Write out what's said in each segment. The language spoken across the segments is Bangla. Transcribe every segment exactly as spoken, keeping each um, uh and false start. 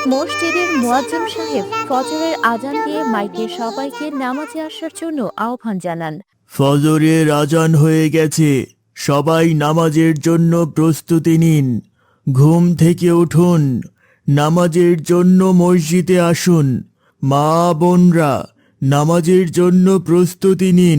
মসজিদের মুয়াজ্জিম সাহেব ফজরের আজান দিয়ে মাইকে সবাইকে নামাজে আসার জন্য আহ্বান জানান। ফজরের আজান হয়ে গেছে, সবাই নামাজের জন্য প্রস্তুতি নিন। ঘুম থেকে উঠুন, নামাজের জন্য মসজিদে আসুন। মা বোনরা, নামাজের জন্য প্রস্তুতি নিন।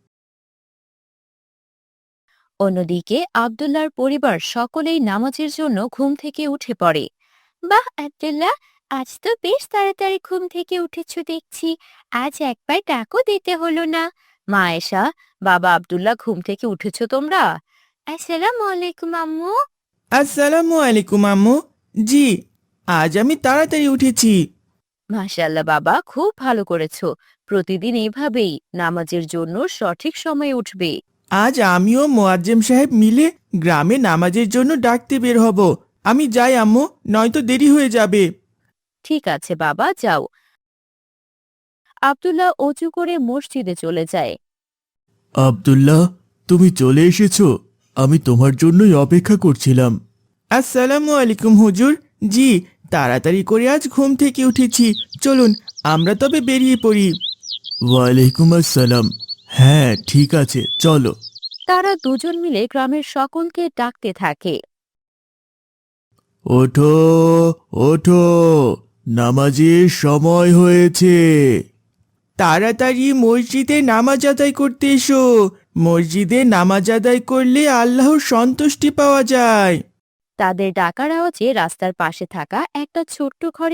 অন্যদিকে আব্দুল্লাহর পরিবার সকলেই নামাজের জন্য ঘুম থেকে উঠে পড়ে। বাহ আব্দুল্লাহ, আজ তো বেশ তাড়াতাড়ি ঘুম থেকে উঠেছ দেখছি। আজ একবার ডাকও দিতে হলো না। মা আয়েশা, বাবা আব্দুল্লাহ, ঘুম থেকে উঠেছো তোমরা? আসসালামু আলাইকুম আম্মু। আসসালামু আলাইকুম আম্মু। জি, আজ আমি তাড়াতাড়ি উঠেছি। মাশাআল্লাহ বাবা, খুব ভালো করেছো। প্রতিদিন এভাবেই নামাজের জন্য সঠিক সময়ে উঠবে। আজ আমিও মোয়াজ্জেম সাহেব মিলে গ্রামে নামাজের জন্য ডাকতে বের হব। আমি যাই আম্মু, নয়তো দেরি হয়ে যাবে। ঠিক আছে বাবা, যাও। আব্দুল্লাহ অজু করে মসজিদে চলে যায়। আব্দুল্লাহ, তুমি চলে এসেছো? আমি তোমার জন্যই অপেক্ষা করছিলাম। আসসালামু আলাইকুম হুজুর। জি, তাড়াতাড়ি করে আজ ঘুম থেকে উঠেছি। চলুন আমরা তবে বেরিয়ে পড়ি। ওয়ালাইকুম আসসালাম। হ্যাঁ, ঠিক আছে, চলো। তারা দুজন মিলে গ্রামের সকলকে ডাকতে থাকে। ওঠো, ওঠো, নামাজের সময় হয়েছে। তাড়াতাড়ি মসজিদে নামাজ আদায় করতে এসো। মসজিদে নামাজ আদায় করলে আল্লাহর সন্তুষ্টি পাওয়া যায়। তাদের ডাকার আওয়াজে রাস্তার পাশে থাকা একটা ছোট্ট ঘরে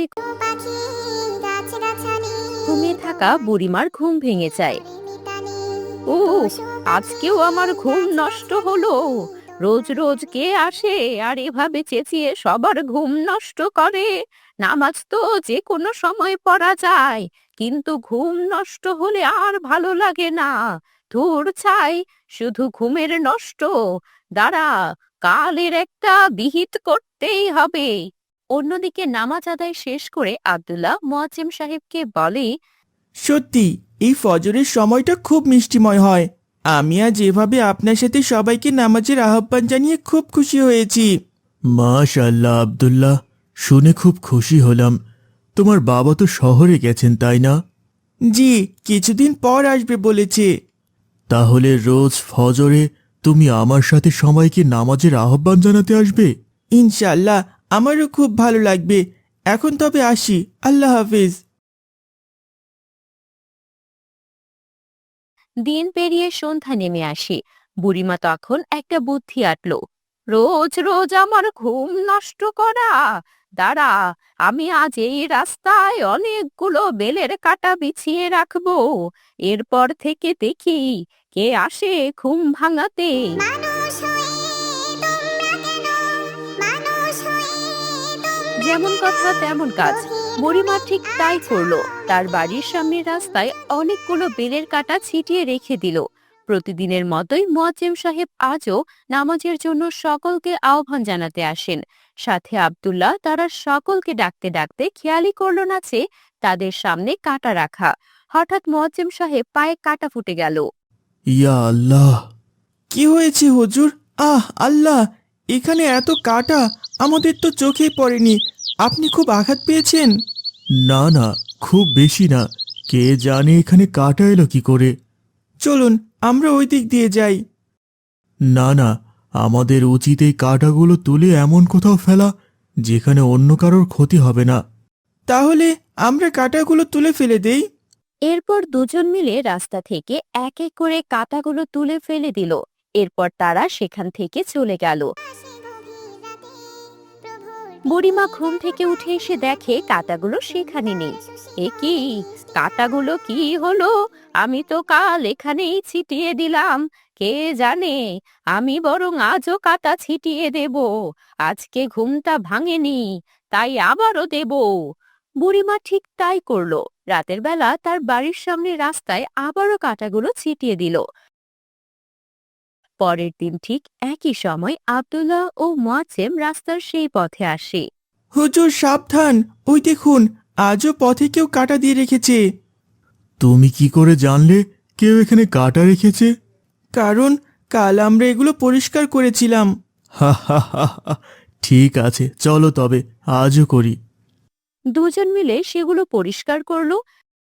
ঘুমিয়ে থাকা বুড়িমার ঘুম ভেঙে যায়। ও, আজকেও আমার ঘুম নষ্ট হলো। রোজ রোজ কে আসে আর এভাবে চেঁচিয়ে সবার ঘুম নষ্ট করে? নামাজ তো যে কোনো সময় পড়া যায়, কিন্তু ঘুম নষ্ট হলে আর ভালো লাগে না। ধুর ছাই, শুধু ঘুমের নষ্ট। দাঁড়া, কালের একটা বিহিত করতেই হবে। অন্যদিকে নামাজ আদায় শেষ করে আব্দুল্লাহ মুয়াজ্জিম সাহেবকে বলে, সত্যি এই ফজরের সময়টা খুব মিষ্টিময় হয়। আমি আজ এভাবে আপনার সাথে সবাইকে নামাজের আহ্বান জানিয়ে খুব খুশি হয়েছি। মাশাআল্লাহ আব্দুল্লাহ, শুনে খুব খুশি হলাম। তোমার বাবা তো শহরে গেছেন, তাই না? জি, কিছুদিন পর আসবে বলেছে। তাহলে রোজ ফজরে তুমি আমার সাথে সবাইকে নামাজের আহ্বান জানাতে আসবে? ইনশাল্লাহ, আমারও খুব ভালো লাগবে। এখন তবে আসি, আল্লাহ হাফেজ। দিন পেরিয়ে সন্ধ্যা নেমে আসে। বুড়িমা তখন একটা বুদ্ধি আটল। রোজ রোজ আমার ঘুম নষ্ট করা। দাঁড়া, আমি আজ এই রাস্তায় অনেকগুলো বেলের কাঁটা বিছিয়ে রাখবো। এরপর থেকে দেখি কে আসে ঘুম ভাঙাতে। যেমন কথা তেমন কাজ। বুড়িমা ঠিক তাই করলো। তার বাড়ির সামনের রাস্তায় অনেকগুলো বেলের কাঁটা ছিটিয়ে রেখে দিল। প্রতিদিনের মতোই মুয়াজ্জিম সাহেব আজও নামাজের জন্য সকলকে আহ্বান জানাতে আসেন। সাথে আব্দুল্লাহ তারা সকলকে ডাকতে ডাকতে খেয়ালই করল না যে তাদের সামনে কাঁটা রাখা। হঠাৎ মুয়াজ্জিম সাহেব পায়ে কাঁটা ফুটে গেল। ইয়া আল্লাহ! কি হয়েছে হুজুর? আহ আল্লাহ, এখানে এত কাটা, আমাদের তো চোখেই পড়েনি। আপনি খুব আঘাত পেয়েছেন? না না, খুব বেশি না। কে জানে এখানে কাটা এলো কি করে। চলুন আমরা ওই দিক দিয়ে যাই। না না, আমাদের উচিত এই কাটাগুলো তুলে এমন কোথাও ফেলা যেখানে অন্য কারোর ক্ষতি হবে না। তাহলে আমরা কাটাগুলো তুলে ফেলে দেই। এরপর দুজন মিলে রাস্তা থেকে এক এক করে কাঁটাগুলো তুলে ফেলে দিল। এরপর তারা সেখান থেকে চলে গেল। বুড়িমা ঘুম থেকে উঠে এসে দেখে কাঁটাগুলো সেখানে নেই। এ কি, কাঁটাগুলো কি হলো? আমি তো কাল এখানেই ছিটিয়ে দিলাম। কে জানে, আমি বরং আজও কাঁটা ছিটিয়ে দেব। আজকে ঘুমটা ভাঙেনি, তাই আবারও দেব। বুড়িমা ঠিক তাই করলো। রাতের বেলা তার বাড়ির সামনে রাস্তায় আবারও কাঁটাগুলো ছিটিয়ে দিল। পরের দিন ঠিক একই সময় আব্দুল্লাহ ও মুয়াজ্জিম রাস্তার সেই পথে আসে। হুজুর সাবধান, ওই দেখুন, আজও পথে কেউ কাটা দিয়ে রেখেছে। তুমি কি করে জানলে কেউ এখানে কাটা রেখেছে? কারণ কাল আমরা এগুলো পরিষ্কার করেছিলাম। হা হা হা হা। ঠিক আছে, চলো তবে আজও করি। দুজন মিলে সেগুলো পরিষ্কার করলো।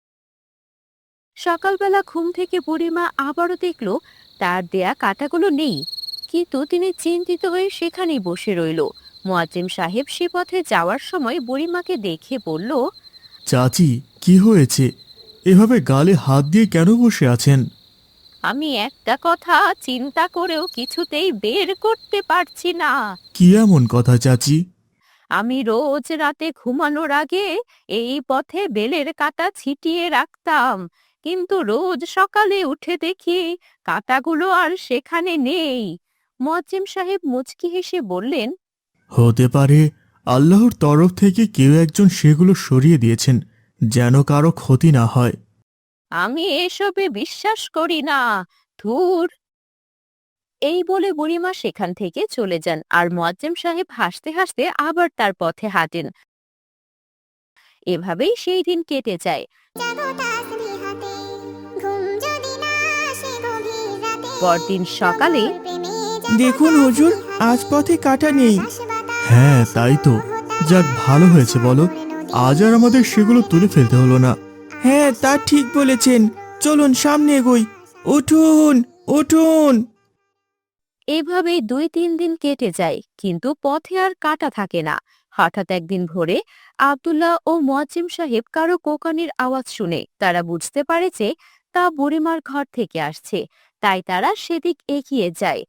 সকালবেলা ঘুম থেকে বুড়িমা আবারও দেখলো তার দেয়া কাঁটাগুলো নেই, কিন্তু তিনি চিন্তিত হয়ে সেখানেই বসে রইল। মুয়াজ্জিম সাহেব সে পথে যাওয়ার সময় বুড়িমাকে দেখে বলল, চাচি, কি হয়েছে? এভাবে গালে হাত দিয়ে কেন বসে আছেন? আমি একটা কথা চিন্তা করেও কিছুতেই বের করতে পারছি না। কি এমন কথা চাচি? আমি রোজ রাতে ঘুমানোর আগে এই পথে বেলের কাঁটা ছিটিয়ে রাখতাম, কিন্তু রোজ সকালে উঠে দেখি কাঁটাগুলো আর সেখানে নেই। মুয়াজ্জিম সাহেব মুচকি হেসে বললেন, হতে পারে আল্লাহর তরফ থেকে কেউ একজন সেগুলো সরিয়ে দিয়েছেন, যেন কারো ক্ষতি না হয়। আমি এসবে বিশ্বাস করি না, ধুর। এই বলে বুড়িমা সেখান থেকে চলে যান, আর মুয়াজ্জিম সাহেব হাসতে হাসতে আবার তার পথে হাঁটেন। এভাবেই সেই দিন কেটে যায়। পরদিন সকালে, দেখুন হুজুর, আজ পথে কাঁটা নেই। হ্যাঁ, তাই তো। যাক, ভালো হয়েছে বলো, আজ আর আমাদের সেগুলো তুলে ফেলতে হলো না। হ্যাঁ, তা ঠিক বলেছেন। চলুন সামনে এগোই। উঠুন, উঠুন। এভাবেই দুই তিন দিন কেটে যায়, কিন্তু পথে আর কাঁটা থাকে না। হঠাৎ একদিন ভোরে আব্দুল্লাহ ও মুয়াজ্জিম সাহেব কারো কোকানির আওয়াজ শুনে তারা বুঝতে পারে যে তা বুড়িমার ঘর থেকে আসছে, তাই তারা সেদিক এগিয়ে যায়।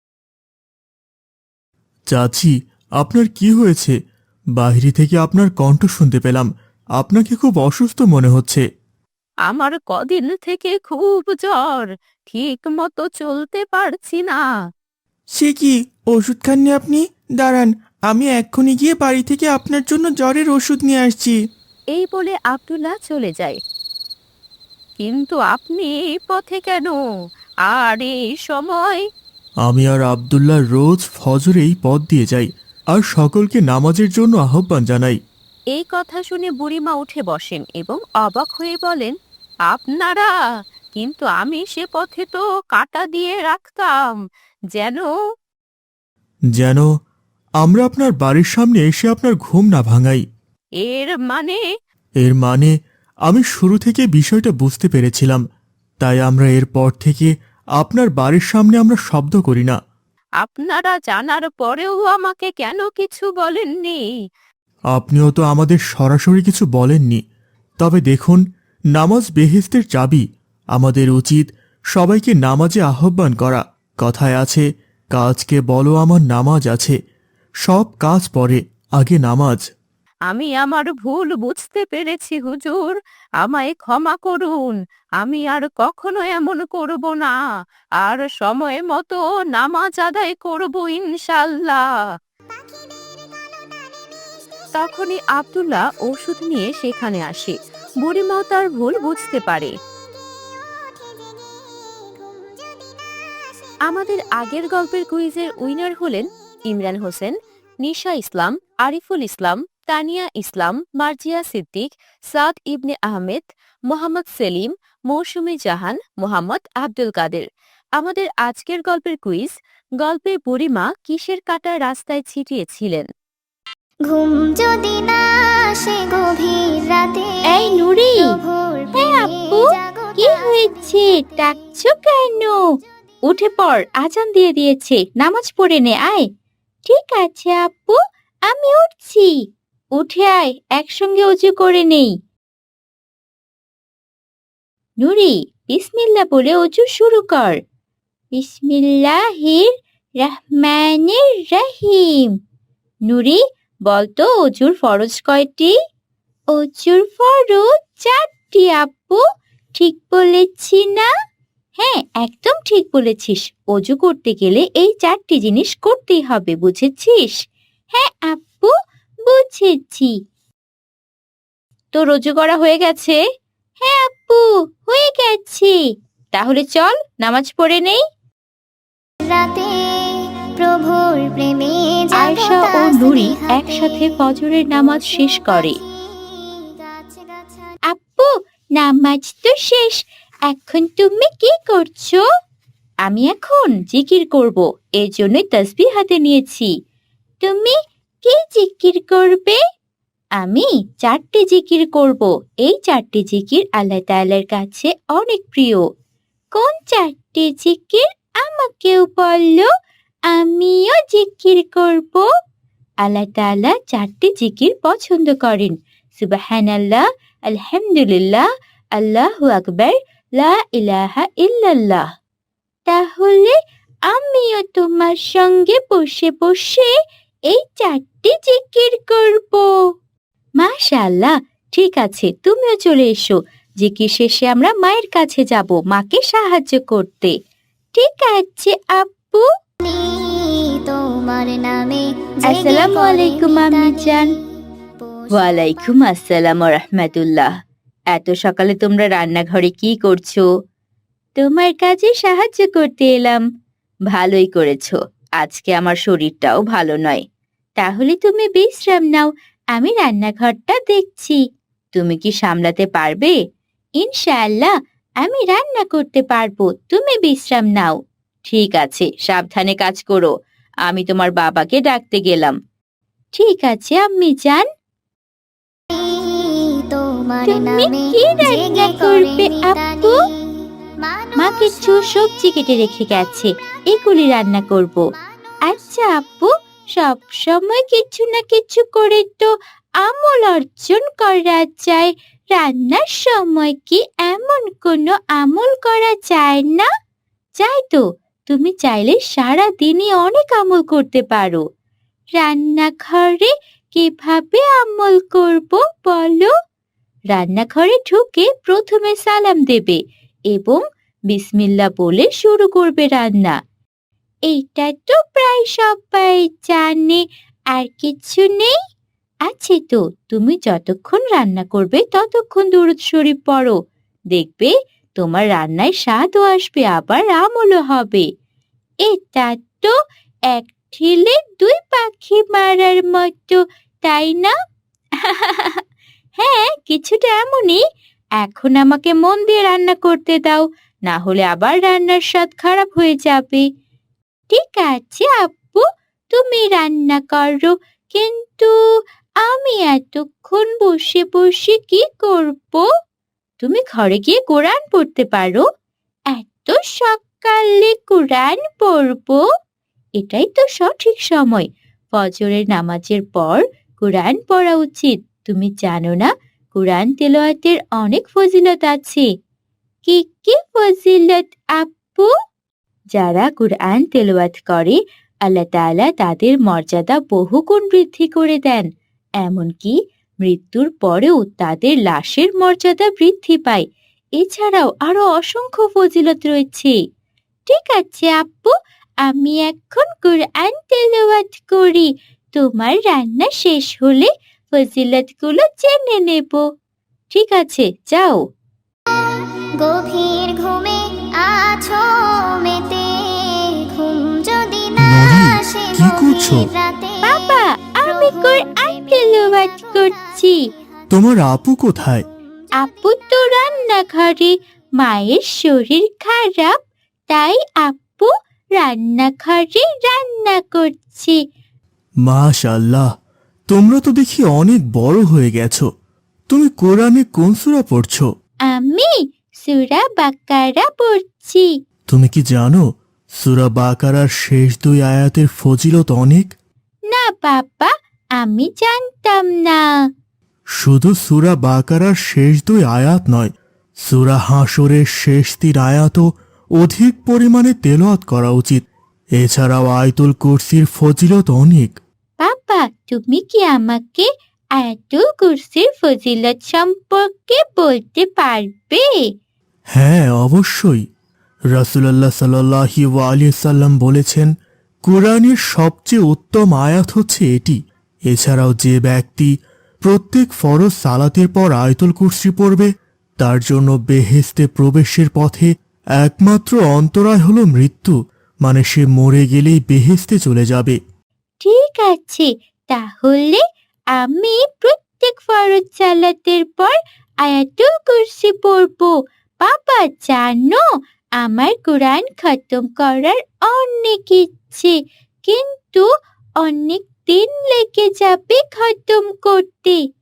চাচি, আপনার কি হয়েছে? বাইরে থেকে আপনার কণ্ঠ শুনতে পেলাম। আপনাকে খুব অসুস্থ মনে হচ্ছে। আমার কদিন থেকে খুব জ্বর, ঠিক মতো চলতে পারছি না। সে কি, ওষুধ খাননি আপনি? দাঁড়ান, আমি এক্ষুনি গিয়ে বাড়ি থেকে আপনার জন্য জ্বরের ওষুধ নিয়ে আসছি। এই বলে আব্দুল্লাহ চলে যায়। কিন্তু আপনি এই পথে কেন, আর এই সময়? আমি আর আব্দুল্লাহ রোজ ফজরে এই পথ দিয়ে যাই, আর সকলকে নামাজের জন্য আহ্বান জানাই। এই কথা শুনে বুড়িমা উঠে বসেন এবং অবাক হয়ে বলেন, আপনারা? কিন্তু আমি সে পথে তো কাঁটা দিয়ে রাখতাম, যেন। যেন আমরা আপনার বাড়ির সামনে এসে আপনার ঘুম না ভাঙাই। এর মানে? এর মানে আমি শুরু থেকে বিষয়টা বুঝতে পেরেছিলাম, তাই আমরা এরপর থেকে আপনার বাড়ির সামনে আমরা শব্দ করি না। আপনারা জানার পরেও আমাকে কেন কিছু বলেননি? আপনিও তো আমাদের সরাসরি কিছু বলেননি। তবে দেখুন, নামাজ বেহেশতের চাবি। আমাদের উচিত সবাইকে নামাজে আহ্বান করা। কথায় আছে, কাজকে বলো আমার নামাজ আছে। সব কাজ পরে, আগে নামাজ। আমি আমার ভুল বুঝতে পেরেছি হুজুর, আমায় ক্ষমা করুন। আমি আর কখনো এমন করব না, আর সময় মতো নামাজ আদায় করব ইনশাল্লাহ। তখনই আব্দুল্লাহ ওষুধ নিয়ে সেখানে আসে। বুড়িমাও তার ভুল বুঝতে পারে। আমাদের আগের গল্পের কুইজের উইনার হলেন ইমরান হোসেন, নিশা ইসলাম, আরিফুল ইসলাম, তানিয়া ইসলাম, মার্জিয়া সিদ্দিক, সাদ ইবনে আহমেদ, মোহাম্মদ সেলিম, মৌসুমী জাহান, মোহাম্মদ আব্দুল কাদের। আমাদের আজকের গল্পের কুইজ, গল্পে বুড়িমা কিসের কাঁটা রাস্তায় ছিটিয়েছিলেন? ঘুম যদি না আসে গভীর রাতে। এই নুরি, প্রভুর হ্যাঁ প্রেমে আপু, জাগো কি তার হয়েছে? ডাকছো কেন? উঠে পড়, আজান দিয়ে দিয়েছে, নামাজ পড়ে নে, আয়। ঠিক আছে আপু, আমি উঠছি। উঠে আয়, একসঙ্গে অজু করে নেই। নুরি, বিসমিল্লাহ বলে অজু শুরু কর। বিসমিল্লাহির রহমানির রহিম। নুরি, বলতো অজুর ফরজ কয়টি? অজুর ফরজ চারটি আপু, ঠিক বলেছি না? হ্যাঁ, একদম ঠিক বলেছিস। অজু করতে গেলে এই চারটি জিনিস করতেই হবে, বুঝেছিস? হ্যাঁ আপু, বুঝেছি। তোর অজু করা হয়ে গেছে? হ্যাঁ আপু, হয়ে গেছে। তাহলে চল নামাজ পড়ে নেই। রাতে প্রভুর প্রেমে জাগো আয়েশা ও তার নুরি স্নেহাতে। একসাথে ফজরের নামাজ শেষ করে। গাছে গাছে আপু, নামাজ তো শেষ, এখন তুমি কি করছো? আমি এখন জিকির করব, এর জন্যই তাসবিহ হাতে নিয়েছি। তুমি কি জিকির করবে? আমি চারটি জিকির করব। এই চারটি জিকির আল্লাহ তাআলার কাছে অনেক প্রিয়। কোন চারটি জিকির আমাকেও বললো, আমিও জিকির করব। আল্লাহ তাআলা চারটি জিকির পছন্দ করেন। সুবহানাল্লাহ, আলহামদুলিল্লাহ, আল্লাহু আকবার, লা ইলাহা ইল্লাল্লাহ। তাহলে আমিও তোমার সঙ্গে বসে বসে এই চারটি জিকির করব। মাশাআল্লাহ, ঠিক আছে, তুমিও চলে এসো। জিকির শেষে আমরা মায়ের কাছে যাব মাকে সাহায্য করতে। ঠিক আছে আপু। তোমার নামে আসসালামু আলাইকুম আম্মি জান। ওয়ালাইকুম আসসালাম ওয়া রাহমাতুল্লাহ। এত সকালে তোমরা রান্নাঘরে কি করছো? তোমার কাজে সাহায্য করতে এলাম। ভালোই করেছো, আজকে আমার শরীরটাও ভালো নয়। তাহলে তুমি বিশ্রাম নাও, আমি রান্নাঘরটা দেখছি। তুমি কি সামলাতে পারবে? ইনশাআল্লাহ আমি রান্না করতে পারবো, তুমি বিশ্রাম নাও। ঠিক আছে, সাবধানে কাজ করো। আমি তোমার বাবাকে ডাকতে গেলাম। ঠিক আছে আম্মি জান। তোমার তুমি নামে কি রান্না করবে আপু? মা কিছু সবজি কেটে রেখে গেছে, এগুলি রান্না করব। আচ্ছা আপু, সব সময় কিছু না কিছু করে তো আমল অর্জন করা যায়, রান্নার সময় কি এমন কোনো আমল করা যায় না? যায় তো, তুমি চাইলে সারা দিনই অনেক আমল করতে পারো। রান্নাঘরে কিভাবে আমল করব বলো? রান্নাঘরে ঢুকে প্রথমে সালাম দেবে এবং বিসমিল্লাহ বলে শুরু করবে রান্না। এইটা তো প্রায় সবাই জানে, আর কিছু নেই? আছে তো, তুমি যতক্ষণ রান্না করবে ততক্ষণ দুরূদ শরীফ পড়ো। দেখবে তোমার রান্নায় স্বাদও আসবে, আবার আমলও হবে। এটা তো এক ঢিলে দুই পাখি মারার মতো, তাই না? হ্যাঁ, কিছুটা এমনই। এখন আমাকে মন দিয়ে রান্না করতে দাও, না হলে আবার রান্নার স্বাদ খারাপ হয়ে যাবে। ঠিক আছে আপু, তুমি রান্না করো, কিন্তু আমি এতক্ষণ বসে বসে কি করব? তুমি ঘরে গিয়ে কোরআন পড়তে পারো। এত সকালে কোরআন পড়বো? এটাই তো সঠিক সময়। ফজরের নামাজের পর কোরআন পড়া উচিত। তুমি জানো না, কোরআন তেলাওয়াতের অনেক ফজিলত আছে। কি কি ফজিলত আপু? যারা কোরআন তেলাওয়াত করে আল্লাহ তাআলা তাদের মর্যাদা বহুগুণ বৃদ্ধি করে দেন। এমনকি মৃত্যুর পরেও তাদের লাশের মর্যাদা বৃদ্ধি পায়। এছাড়াও আরো অসংখ্য ফজিলত রয়েছে। ঠিক আছে আপু, আমি এখন কোরআন তেলাওয়াত করি। তোমার রান্না শেষ হলে ফজিলতগুলো জেনে নেব। ঠিক আছে, যাও। গভীর ঘুমে আছো মেতে, ঘুম যদি না নরি, আসে কি করছো? গভীর রাতে, বাবা, আমি কোরআন তেলাওয়াত করছি। তোমার আপু কোথায়? আপু তো রান্নাঘরে, মায়ের শরীর খারাপ, তাই আপু রান্নাঘরে রান্না করছে। মাশাআল্লাহ, তোমরা তো দেখি অনেক বড় হয়ে গেছো। তুমি কোরআনে কোন সূরা পড়ছো? আমি সূরা বাকারা পড়ছি। তুমি কি জানো সূরা বাকারার শেষ দুই আয়াতের ফজিলত অনেক? না বাবা, আমি জানতাম না। শুধু সূরা বাকারার শেষ দুই আয়াত নয়, সূরা হাশরের শেষ তিন আয়াতও অধিক পরিমাণে তেলাওয়াত করা উচিত। এছাড়াও আয়াতুল কুরসির ফজিলত অনেক। বাবা, তুমি কি আমাকে আয়াতুল কুরসির ফজিলত সম্পর্কে বলতে পারবে? হ্যাঁ, অবশ্যই। রাসূলুল্লাহ সাল্লাল্লাহু আলাইহি সাল্লাম বলেছেন, কোরআনের সবচেয়ে উত্তম আয়াত হচ্ছে এটি। এছাড়াও যে ব্যক্তি প্রত্যেক ফরজ সালাতের পর আয়াতুল কুরসি পড়বে, তার জন্য বেহেশতে প্রবেশের পথে একমাত্র অন্তরায় হলো মৃত্যু, মানে সে মরে গেলেই বেহেশতে চলে যাবে। ঠিক আছে, তাহলে আমি প্রত্যেক ফরজ সালাতের পর আয়াতুল কুরসি পড়ব। বাবা জানো, আমার কোরআন খতম করার অনেক ইচ্ছে, কিন্তু অনেক দিন লেগে যাবে খতম করতে।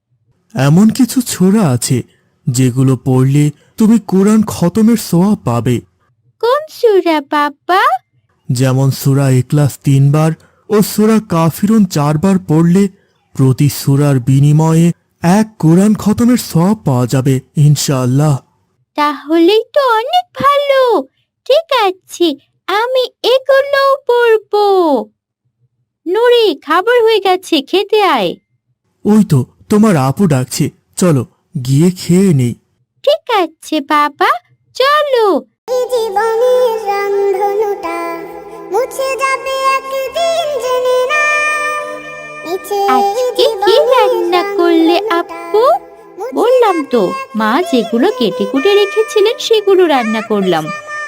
এমন কিছু সূরা আছে যেগুলো পড়লে তুমি কোরআন খতমের সোয়াব পাবে। কোন সূরা বাবা? যেমন সূরা ইখলাস তিনবার ও সূরা কাফিরুন চারবার পড়লে প্রতি সূরার বিনিময়ে এক কোরআন খতমের সওয়াব পাওয়া যাবে ইনশাআল্লাহ। তাহলেই তো অনেক ভালো। ঠিক আছে, আমি এগুলো পড়বো। নুরি, খাবার হয়ে গেছে, খেতে আয়। ওই তো তোমার আপু ডাকছে, চলো গিয়ে খেয়ে নেই। ঠিক আছে বাবা, চলো। এই জীবনের রংধনুটা মুছে যাবে একদিন জেনে না। নিচে আজকে কি রান্না করলে আপু? বললাম তো, মা যেগুলো কেটে কুটে রেখেছিলেন সেগুলো রান্না করলাম।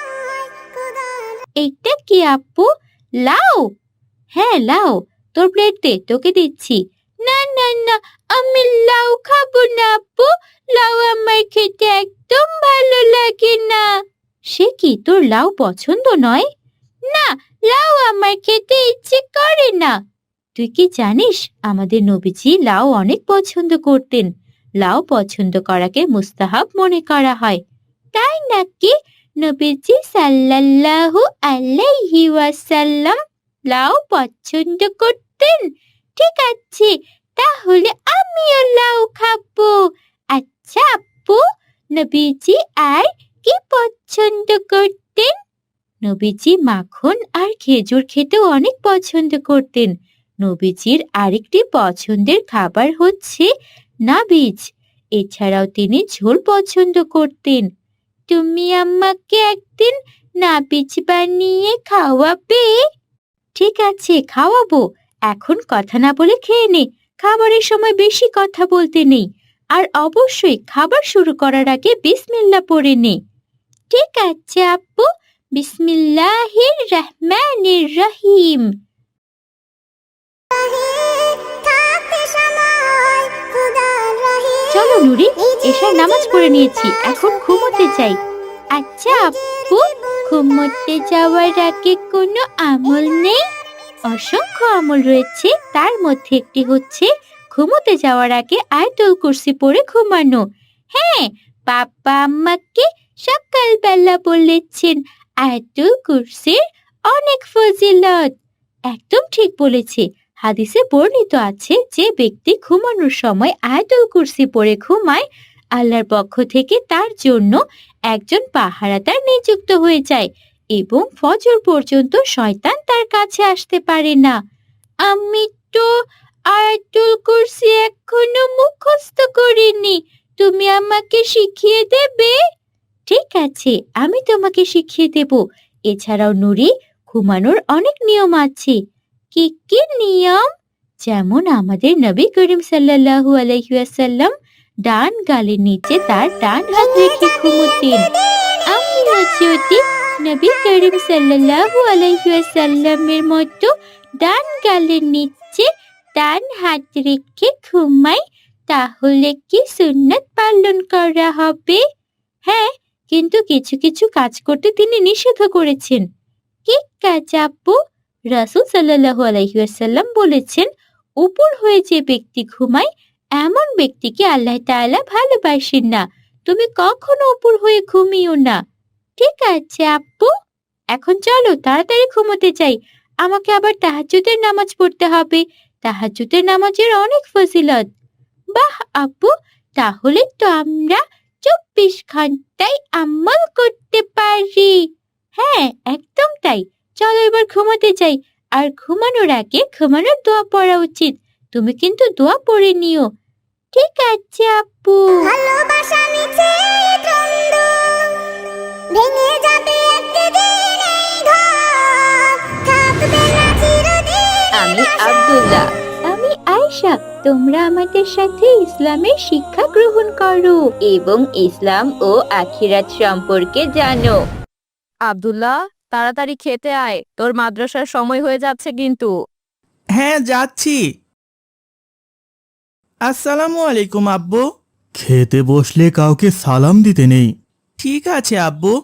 এইটা কি আপু? লাউ? হ্যাঁ লাউ। তোর প্লেট দে, তোকে দিচ্ছি। না না না, আমি লাউ খাবো না আপু। লাউ আমার খেতে একদম ভালো লাগে না। সে কি, তোর লাউ পছন্দ নয়? না, লাউ আমার খেতে ইচ্ছে করে না। তুই কি জানিস, আমাদের নবীজি লাউ অনেক পছন্দ করতেন। লাউ পছন্দ করাকে মুস্তাহাব মনে করা হয়। তাই নাকি? নবীজি সাল্লাল্লাহু আলাইহি ওয়াসাল্লাম লাউ পছন্দ করতেন? ঠিক আছে, তাহলে আমিও লাউ খাবো। আচ্ছা আপু, নবীজি আর কি পছন্দ করতেন? নবীজি মাখন আর খেজুর খেতেও অনেক পছন্দ করতেন। নবীজির আরেকটি পছন্দের খাবার হচ্ছে নাবিজ। এছাড়াও তিনি ঝোল পছন্দ করতেন। তুমি আমাকে একদিন নাবিজ বানিয়ে খাওয়াবে? ঠিক আছে, খাওয়াবো। এখন কথা না বলে খেয়ে নে। খাবারের সময় বেশি কথা বলতে নেই। আর অবশ্যই খাবার শুরু করার আগে বিসমিল্লাহ পড়ে নে। ঠিক আছে আপু, বিসমিল্লাহির রহমানির রহিম। চলো নুরি, এশার নামাজ পড়ে নিয়েছি, এখন ঘুমোতে চাই। আচ্ছা আপু, ঘুমোতে যাওয়ার আগে কোনো আমল নেই? অসংখ্য আমল রয়েছে, তার মধ্যে একটি হচ্ছে ঘুমোতে যাওয়ার আগে আয়াতুল কুরসি পড়ে ঘুমানো। হ্যাঁ, বাবা আমাকে সকালবেলা বলেছেন আয়াতুল কুরসির অনেক ফজিলত। একদম ঠিক বলেছে। হাদিসে বর্ণিত আছে, যে ব্যক্তি ঘুমানোর সময় আয়াতুল কুরসি পড়ে ঘুমায়, আল্লাহর পক্ষ থেকে তার জন্য একজন পাহারাদার নিযুক্ত হয়ে যায় এবং ফজর পর্যন্ত শয়তান তার কাছে আসতে পারে না। আমি তো আয়াতুল কুরসি এখনো মুখস্থ করিনি, তুমি আমাকে শিখিয়ে দেবে? ঠিক আছে, আমি তোমাকে শিখিয়ে দেব। এছাড়াও নুরি, ঘুমানোর অনেক নিয়ম আছে। কি কি নিয়ম? যেমন আমাদের নবী করিম সাল্লাল্লাহু আলাইহি ওয়াসাল্লাম ডান গালের নিচে তার ডান হাত রেখে ঘুমোতেন। আমিও যদি নবী করিম সাল্লাল্লাহু আলাইহি ওয়াসাল্লামের মতো ডান গালের নিচে ডান হাত রেখে ঘুমাই, তাহলে কি সুন্নাত পালন করা হবে? হ্যাঁ, কিন্তু কিছু কিছু কাজ করতে তিনি নিষেধ করেছেন। কি কাজ আপু? রাসূল সাল্লাল্লাহু আলাইহি ওয়াসাল্লাম বলেছেন, উপর হয়ে যে ব্যক্তি ঘুমায় এমন ব্যক্তিকে আল্লাহ তাআলা ভালোবাসেন না। তুমি কখনো উপর হয়ে ঘুমিও না। ঠিক আছে আপু, এখন চলো তাড়াতাড়ি ঘুমোতে যাই। আমাকে আবার তাহাজ্জুদের নামাজ পড়তে হবে। তাহাজ্জুদের নামাজের অনেক ফজিলত। বাহ আপু, তাহলে তো আমরা চব্বিশ ঘন্টায় আমল করতে পারি। হ্যাঁ, একদম তাই। চলো এবার ঘুমাতে যাই। আর ঘুমানোর আগে ঘুমানোর দোয়া পড়া উচিত। তুমি কিন্তু দোয়া পড়ে নিও। ঠিক আছে আপু। ভালোবাসা মিছে দ্বন্দ্ব ভেঙে যাবে একদিন এই ঘর, থাকবে না চিরদিন। আমি আব্দুল্লাহ। আমি আয়েশা। তোমরা আমাদের সাথে ইসলামের শিক্ষা গ্রহণ করো এবং ইসলাম ও আখিরাত সম্পর্কে জানো। আব্দুল্লাহ, তাড়াতাড়ি খেতে আয়, তোর মাদ্রাসার সময় হয়ে যাচ্ছে কিন্তু। হ্যাঁ, যাচ্ছি। আসসালামু আলাইকুম আব্বু। খেতে বসলে কাউকে সালাম দিতে নেই। ঠিক আছে আব্বু।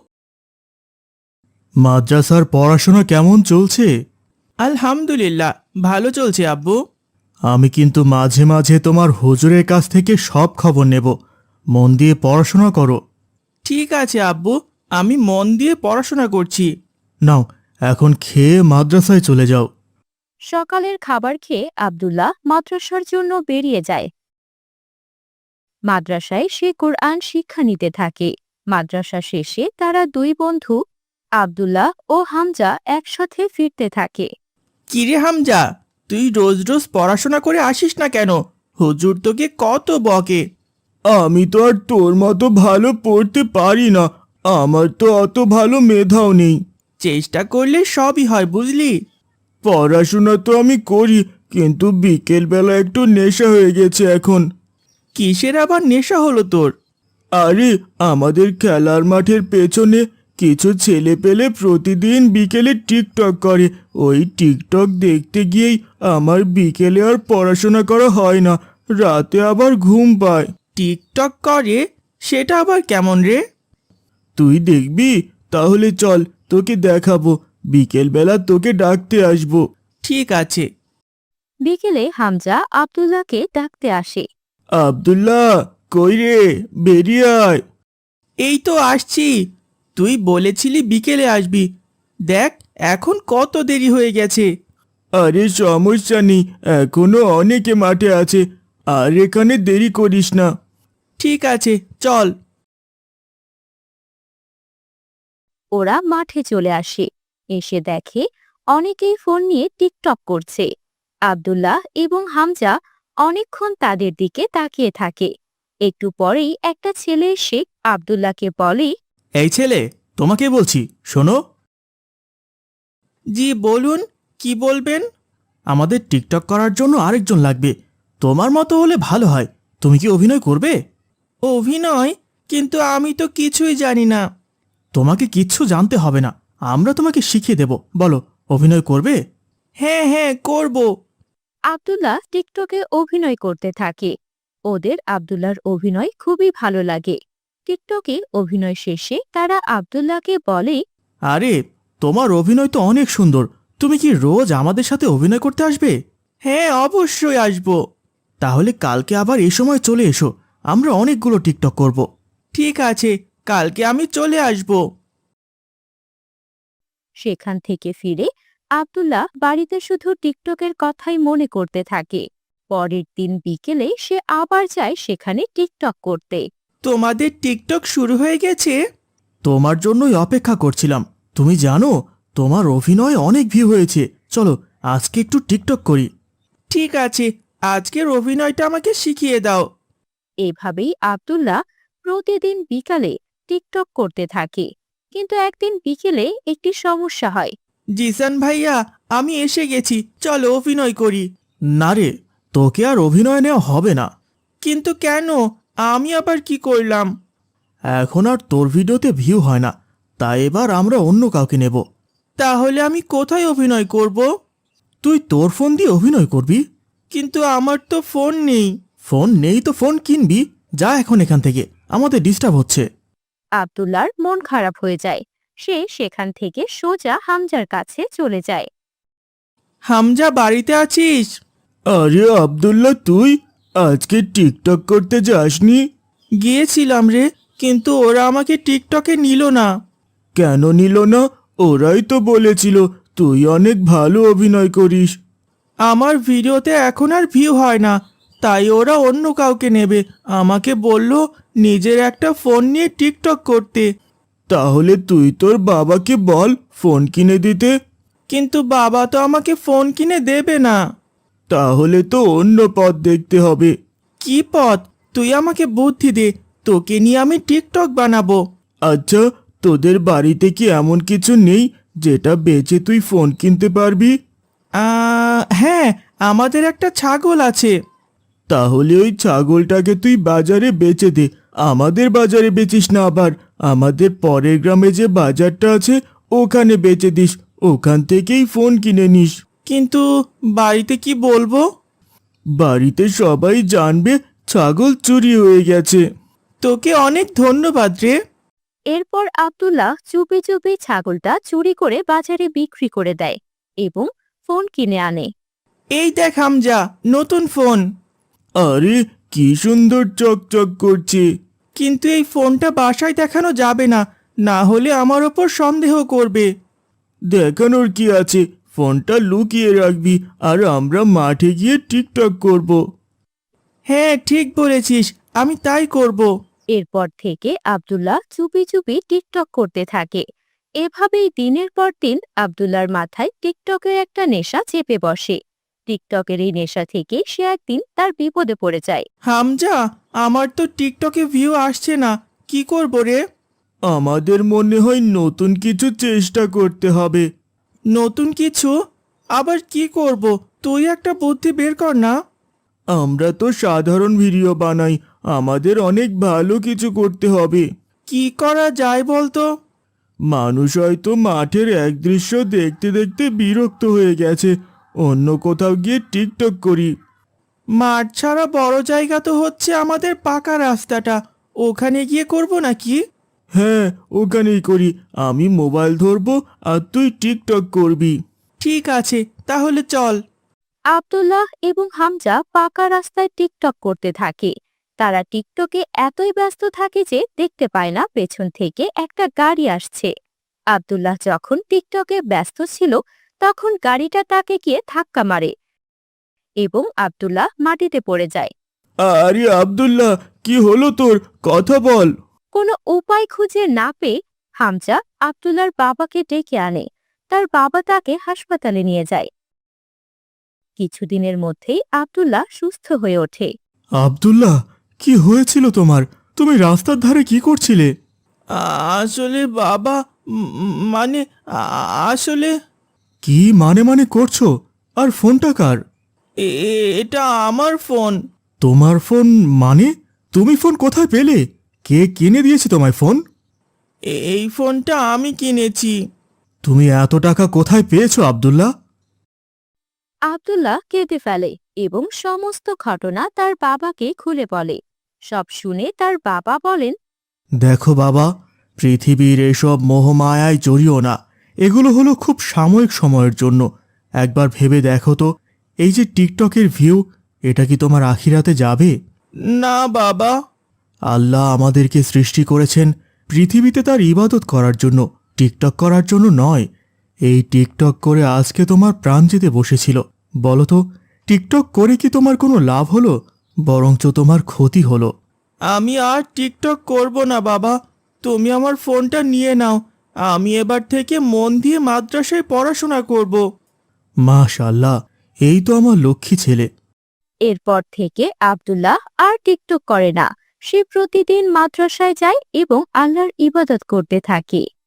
মাদ্রাসার পড়াশোনা কেমন চলছে? আলহামদুলিল্লাহ, ভালো চলছে আব্বু। আমি কিন্তু মাঝে মাঝে তোমার হুজুরের কাছ থেকে সব খবর নেব। মন দিয়ে পড়াশোনা করো। ঠিক আছে আব্বু, আমি মন দিয়ে পড়াশোনা করছি। নাও, এখন খেয়ে মাদ্রাসায় চলে যাও। সকালের খাবার খেয়ে আব্দুল্লাহ মাদ্রাসার জন্য বেরিয়ে যায়। মাদ্রাসায় সে কোরআন শিক্ষা নিতে থাকে। মাদ্রাসা শেষে তারা দুই বন্ধু আব্দুল্লাহ ও হামজা একসাথে ফিরতে থাকে। কিরে হামজা, তুই রোজ রোজ পড়াশোনা করে আসিস না কেন? হুজুর তোকে কত বকে। আমি তো আর তোর মতো ভালো পড়তে পারি না। আমার তো অত ভালো মেধাও নেই। চেষ্টা করলে সবই হয়, বুঝলি? পড়াশোনা তো আমি করি, কিন্তু বিকেলবেলা একটু নেশা হয়ে গেছে এখন। কিসের আবার নেশা হলো তোর? আরে, আমাদের খেলার মাঠের পেছনে কিছু ছেলে পেলে প্রতিদিন বিকেলে টিকটক করে। ওই টিকটক দেখতে গিয়েই আমার বিকেলে আর পড়াশোনা করা হয় না, রাতে আবার ঘুম পায়। টিকটক করে? সেটা আবার কেমন রে? তুই দেখবি? তাহলে চল, তোকে দেখাবো। বিকেলবেলা তোকে ডাকতে আসবো। ঠিক আছে। বিকেলে হামজা আব্দুল্লাহকে ডাকতে আসে। আব্দুল্লাহ, কই রে? বেরিয়ে আয়। এই তো আসছি। তুই বলেছিলি বিকেলে আসবি, দেখ এখন কত দেরি হয়ে গেছে। আরে সমস্যা নেই, এখনো অনেকে মাঠে আছে, আর এখানে দেরি করিস না। ঠিক আছে, চল। ওরা মাঠে চলে আসে। এসে দেখে অনেকেই ফোন নিয়ে টিকটক করছে। আব্দুল্লাহ এবং হামজা অনেকক্ষণ তাদের দিকে তাকিয়ে থাকে। একটু পরেই একটা ছেলে এসে আব্দুল্লাহকে বলে, এই ছেলে, তোমাকে বলছি, শোনো। জি বলুন, কি বলবেন? আমাদের টিকটক করার জন্য আরেকজন লাগবে। তোমার মতো হলে ভালো হয়। তুমি কি অভিনয় করবে? অভিনয়? কিন্তু আমি তো কিছুই জানি না। তোমাকে কিচ্ছু জানতে হবে না, আমরা তোমাকে শিখিয়ে দেব। বলো, অভিনয় করবে? হ্যাঁ হ্যাঁ, করব। আব্দুল্লাহ টিকটকে অভিনয় করতে থাকে। ওদের আব্দুল্লাহর অভিনয় খুবই ভালো লাগে। টিকটকে অভিনয় শেষে তারা আব্দুল্লাহকে বলে, আরে, তোমার অভিনয় তো অনেক সুন্দর। তুমি কি রোজ আমাদের সাথে অভিনয় করতে আসবে? হ্যাঁ, অবশ্যই আসব। তাহলে কালকে আবার এই সময় চলে এসো, আমরা অনেকগুলো টিকটক করব। ঠিক আছে, কালকে আমি চলে আসব। সেখান থেকে ফিরে আব্দুল্লাহ বাড়িতে শুধু টিকটকের কথাই মনে করতে থাকে। পরের দিন বিকেলে সে আবার যায় সেখানে টিকটক করতে। তোমাদের টিকটক শুরু হয়ে গেছে? তোমার জন্যই অপেক্ষা করছিলাম। তুমি জানো, তোমার অভিনয় অনেক ভিউ হয়েছে। চলো, আজকে একটু টিকটক করি। ঠিক আছে, আজকের অভিনয়টা আমাকে শিখিয়ে দাও। এভাবেই আব্দুল্লাহ প্রতিদিন বিকালে টিকটক করতে থাকে। কিন্তু একদিন বিকেলে একটি সমস্যা হয়। জিসান ভাইয়া, আমি এসে গেছি, চলো অভিনয় করি। না রে, তোকে আর অভিনয় নেওয়া হবে না। কিন্তু কেন? আমি আবার কি করলাম? এখন আর তোর ভিডিওতে ভিউ হয় না, তাই এবার আমরা অন্য কাউকে নেব। তাহলে আমি কোথায় অভিনয় করব? তুই তোর ফোন দিয়ে অভিনয় করবি। কিন্তু আমার তো ফোন নেই। ফোন নেই তো ফোন কিনবি। যা এখন এখান থেকে, আমাদের ডিস্টার্ব হচ্ছে। আব্দুল্লাহর মন খারাপ হয়ে যায়। সে সেখান থেকে সোজা হামজার কাছে চলে যায়। হামজা, বাড়িতে আছিস? আরে আব্দুল্লাহ, তুই আজকে টিকটক করতে যাসনি? গিয়েছিলাম রে, কিন্তু ওরা আমাকে টিকটকে নিল না। কেন নিল না? ওরাই তো বলেছিল তুই অনেক ভালো অভিনয় করিস। আমার ভিডিওতে এখন আর ভিউ হয় না, তাই ওরা অন্য কাউকে নেবে। আমাকে বলল নিজের একটা ফোন নিয়ে টিকটক করতে। তাহলে তুই তোর বাবাকে বল ফোন কিনে দিতে। কিন্তু বাবা তো আমাকে ফোন কিনে দেবে না। তাহলে তো অন্য পথ দেখতে হবে। কি পথ? তুই আমাকে বুদ্ধি দে, তোকে নিয়ে আমি টিকটক বানাবো। আচ্ছা, তোদের বাড়িতে কি এমন কিছু নেই যেটা বেচে তুই ফোন কিনতে পারবি? আহ, হ্যাঁ, আমাদের একটা ছাগল আছে। তাহলে ওই ছাগলটাকে তুই বাজারে বেচে দে। আমাদের বাজারে বেচিস না, আবার আমাদের পরের গ্রামে যে বাজারটা আছে ওখানে বেচে দিস। ওখান থেকেই ফোন কিনে নিস। কিন্তু বাড়িতে কি বলবো? বাড়িতে সবাই জানবে ছাগল চুরি হয়ে গেছে। তোকে অনেক ধন্যবাদ রে। এরপর আব্দুল্লাহ চুপি চুপি ছাগলটা চুরি করে বাজারে বিক্রি করে দেয় এবং ফোন কিনে আনে। এই দেখ হামজা, নতুন ফোন। আরে কি সুন্দর চকচক করছে। কিন্তু এই ফোনটা বাসায় দেখানো যাবে না, না হলে আমার ওপর সন্দেহ করবে। দেখানোর কি আছে, ফোনটা লুকিয়ে রাখবি আর আমরা মাঠে গিয়ে টিকটক করব। হ্যাঁ ঠিক বলেছিস, আমি তাই করব। এরপর থেকে আব্দুল্লাহ চুপি চুপি টিকটক করতে থাকে। এভাবেই দিনের পর দিন আব্দুল্লাহর মাথায় টিকটকের একটা নেশা চেপে বসে। টিকটকের এই নেশা থেকে সে একদিন তার বিপদে পড়ে যায়। হামজা, আমার তো টিকটকে ভিউ আসছে না, কি করব রে? আমাদের মনে হয় নতুন কিছু চেষ্টা করতে হবে। নতুন কিছু? আবার কি করব? তুই একটা বুদ্ধি বের কর না। আমরা তো সাধারণ ভিডিও বানাই, আমাদের অনেক ভালো কিছু করতে হবে। কি করা যায় বলতো? মানুষ হয়তো মাঠের এক দৃশ্য দেখতে দেখতে বিরক্ত হয়ে গেছে, অন্য কোথাও গিয়ে টিকটক করি। মাঠ ছাড়া বড় জায়গা তো হচ্ছে আমাদের পাকা রাস্তাটা, ওখানে গিয়ে করব নাকি? হ্যাঁ, ওখানেই করি। আমি মোবাইল ধরবো আর তুই টিকটক করবি। ঠিক আছে, তাহলে চল। আব্দুল্লাহ এবং হামজা পাকা রাস্তায় টিকটক করতে থাকে। তারা টিকটকে এতই ব্যস্ত থাকে যে দেখতে পায় না পেছন থেকে একটা গাড়ি আসছে। আব্দুল্লাহ যখন টিকটকে ব্যস্ত ছিল তখন গাড়িটা তাকে গিয়ে ধাক্কা মারে এবং আব্দুল্লাহ মাটিতে পড়ে যায়। আরে আব্দুল্লাহ, কি হলো তোর? কথা বল। কোনো উপায় খুঁজে না পেয়ে হামজা আব্দুল্লাহর বাবাকে ডেকে আনে। তার বাবা তাকে হাসপাতালে নিয়ে যায়। কিছুদিনের মধ্যেই আব্দুল্লাহ সুস্থ হয়ে ওঠে। আব্দুল্লাহ, কি হয়েছিল তোমার? তুমি রাস্তার ধারে কি করছিলে? আসলে বাবা, উম, মানে আ- আসলে কি মানে মানে করছো? আর ফোনটা কার? এ- এ- এটা আমার ফোন। তোমার ফোন মানে? তুমি ফোন কোথায় পেলে? কে কিনে দিয়েছে তোমায় ফোন? এ- এই ফোনটা আমি কিনেছি। তুমি এত টাকা কোথায় পেয়েছো আব্দুল্লাহ? আব্দুল্লাহ কেঁদে ফেলে এবং সমস্ত ঘটনা তার বাবাকে খুলে বলে। সব শুনে তার বাবা বলেন, দেখো বাবা, পৃথিবীর এসব মোহমায়ায় জড়িও না। এগুলো হলো খুব সাময়িক সময়ের জন্য। একবার ভেবে দেখো তো, এই যে টিকটকের ভিউ, এটা কি তোমার আখিরাতে যাবে? না বাবা। আল্লাহ আমাদেরকে সৃষ্টি করেছেন পৃথিবীতে তার ইবাদত করার জন্য, টিকটক করার জন্য নয়। এই টিকটক করে আজকে তোমার প্রাণ যেতে বসেছিল। বলো তো, টিকটক করে কি তোমার কোনো লাভ হলো? বরঞ্চ তোমার ক্ষতি হলো। আমি আর টিকটক করব না বাবা, তুমি আমার ফোনটা নিয়ে নাও। আমি এবার থেকে মন দিয়ে মাদ্রাসায় পড়াশোনা করব। মাশাআল্লাহ, এই তো আমার লক্ষ্মী ছেলে। এরপর থেকে আব্দুল্লাহ আর টিকটক করে না। সে প্রতিদিন মাদ্রাসায় যায় এবং আল্লাহর ইবাদত করতে থাকে।